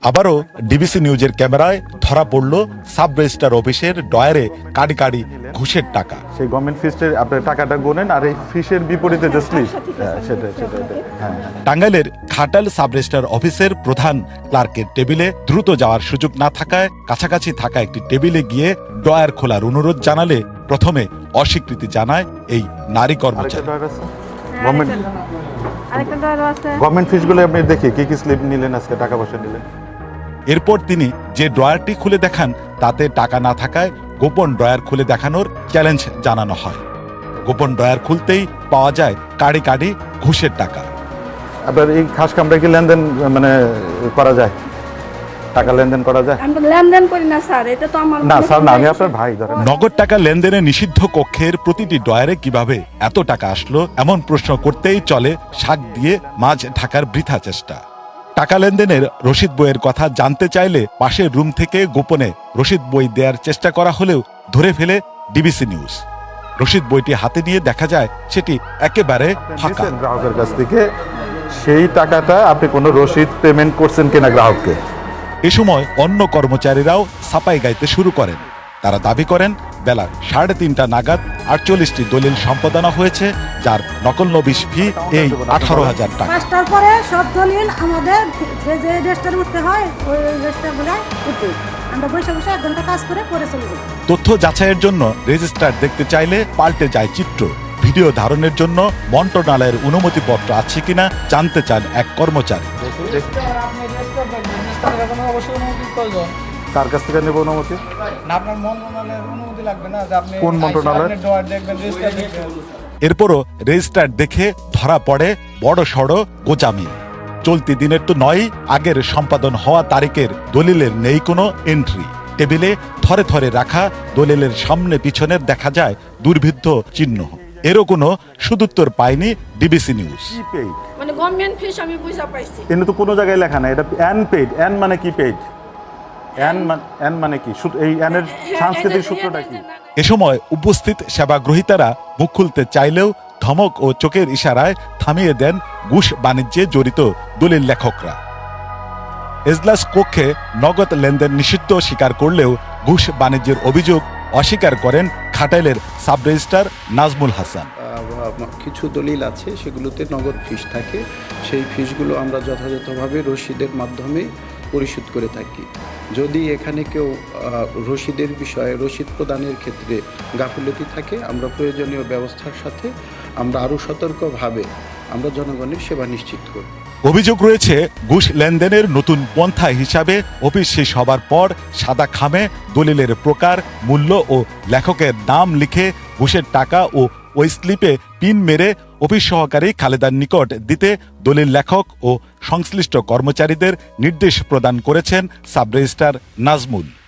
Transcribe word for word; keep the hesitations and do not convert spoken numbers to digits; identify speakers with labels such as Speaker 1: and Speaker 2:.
Speaker 1: আবারও ডিবিসি নিউজের ক্যামেরায় ধরা পড়ল সাব রেজিস্ট্রার অফিসের ডয়ারে কাড়ি কাড়ি ঘুষের টাকা।
Speaker 2: সেই গভর্নমেন্ট ফিসের আপনার টাকাটা গোনেন আর এই ফিসের বিপরীতে যে স্লিপ সেটা সেটা হ্যাঁ।
Speaker 1: টাঙ্গাইলের ঘাটাল সাব রেজিস্ট্রার অফিসের প্রধান ক্লার্কের টেবিলে দ্রুত যাওয়ার সুযোগ না থাকায় কাছাকাছি থাকা একটি টেবিলে গিয়ে ড্রয়ার খোলার অনুরোধ জানালে প্রথমে অস্বীকৃতি জানায় এই নারী কর্মচারী।
Speaker 2: গভর্নমেন্ট ফিসগুলো আপনি দেখি কি কি স্লিপ নিলেন আজকে, টাকা পয়সা নিলেন।
Speaker 1: এরপর তিনি যে ড্রয়ারটি খুলে দেখান তাতে টাকা না থাকায় গোপন ড্রয়ার খুলে দেখানোর চ্যালেঞ্জ জানানো হয়। গোপন ড্রয়ার খুলতেই পাওয়া যায় কাড়ি কাড়ি ঘুষের টাকা।
Speaker 2: আপনার এই খাস কামরা কি লেনদেন মানে করা যায়, টাকা লেনদেন করা যায়?
Speaker 3: আমরা লেনদেন করি না স্যার, এটা তো আমার
Speaker 2: না স্যার, না আমি আপনার ভাই। ধরেন
Speaker 1: নগদ টাকা লেনদেনে নিষিদ্ধ কক্ষের প্রতিটি ড্রয়ারে কিভাবে এত টাকা আসলো এমন প্রশ্ন করতেই চলে শাক দিয়ে মাছ ঢাকার বৃথা চেষ্টা। টাকা লেনদেনের রসিদ বইয়ের কথা জানতে চাইলে পাশের রুম থেকে গোপনে রসিদ বই দেওয়ার চেষ্টা করা হলেও ধরে ফেলে ডিবিসি নিউজ। রসিদ বইটি হাতে নিয়ে দেখা যায় সেটি একেবারে ফাঁকা।
Speaker 2: গ্রাহকের কাছ থেকে সেই টাকাটা আপনি কোনো রসিদ পেমেন্ট করছেন কিনা গ্রাহককে।
Speaker 1: এ সময় অন্য কর্মচারীরাও সাপাই গাইতে শুরু করেন। তারা দাবি করেন বেলা সাড়ে তিনটা নাগাদ আটচল্লিশটি দলিল সম্পাদনা হয়েছে, যার নকল নবিশ ফি এই আঠারো হাজার টাকা।
Speaker 4: পাঁচটার পরে সব দলিল আমাদের যে যে রেজিস্টার উঠতে হয় ওই রেজিস্টার গুলো উঠে আমরা বসে বসে এক ঘন্টা কাজ করে পরে চলে যাই।
Speaker 1: তথ্য যাচাইয়ের জন্য রেজিস্ট্রার দেখতে চাইলে পাল্টে যায় চিত্র। ভিডিও ধারণের জন্য মন্ত্রণালয়ের অনুমতিপত্র আছে কিনা জানতে চান এক কর্মচারী।
Speaker 2: কার কাছ থেকে নেব অনুমতি?
Speaker 5: না, আপনার মন্ত্রণালয়ের অনুমতি লাগবে না যে আপনি
Speaker 2: কোন মন্ত্রণালয়?
Speaker 5: আপনি ড্রয়ার দেখবেন, রেজিস্টার দেখবেন।
Speaker 1: এরপরও রেজিস্ট্রার দেখে ধরা পড়ে বড় সড় গোচামি। চলতি দিনের তো নয়, আগের সম্পাদন হওয়া তারিখের দলিলের নেই কোনো এন্ট্রি। টেবিলে থরে থরে রাখা দলিলের সামনে পিছনের দেখা যায় দুর্ভিদ্ধ চিহ্ন। এরও কোনো সুদুত্তর পায়নি ডিবিসি নিউজ।
Speaker 3: মানে গভর্নমেন্ট ফিস আমি বুঝা পাইছি,
Speaker 2: কিন্তু তো কোনো জায়গায় লেখা না এটা এন পেইড। এন মানে কি পেইড? এন মানে এন মানে কি? এই এন এর সাংস্কৃতিক সূত্রটা কি?
Speaker 1: এ সময় উপস্থিত সেবাগ্রহীতারা মুখ খুলতে চাইলেও ধমক ও চোখের ইশারায় থামিয়ে দেন ঘুষ বাণিজ্যে জড়িত দলিল লেখকরা। এজলাস কক্ষে নগদ লেনদেন নিষিদ্ধ স্বীকার করলেও ঘুষ বাণিজ্যের অভিযোগ অস্বীকার করেন ঘাটাইলের সাব রেজিস্ট্রার নাজমুল হাসান।
Speaker 6: কিছু দলিল আছে সেগুলোতে নগদ ফিস থাকে, সেই ফিসগুলো আমরা যথাযথভাবে রসিদের মাধ্যমে পরিশোধ করে থাকি। যদি এখানে কেউ রসিদের বিষয়ে রসিদ প্রদানের ক্ষেত্রে গাফিলতি থাকে, আমরা প্রয়োজনীয় ব্যবস্থার সাথে আমরা আরও সতর্কভাবে আমরা জনগণের সেবা নিশ্চিত করি।
Speaker 1: অভিযোগ রয়েছে ঘুষ লেনদেনের নতুন পন্থা হিসাবে অফিস শেষ হবার পর সাদা খামে দলিলের প্রকার, মূল্য ও লেখকের নাম লিখে ঘুষের টাকা ও ওই স্লিপে পিন মেরে অফিস সহকারী খালেদার নিকট দিতে দলিল লেখক ও সংশ্লিষ্ট কর্মচারীদের নির্দেশ প্রদান করেছেন সাব রেজিস্ট্রার নাজমুল।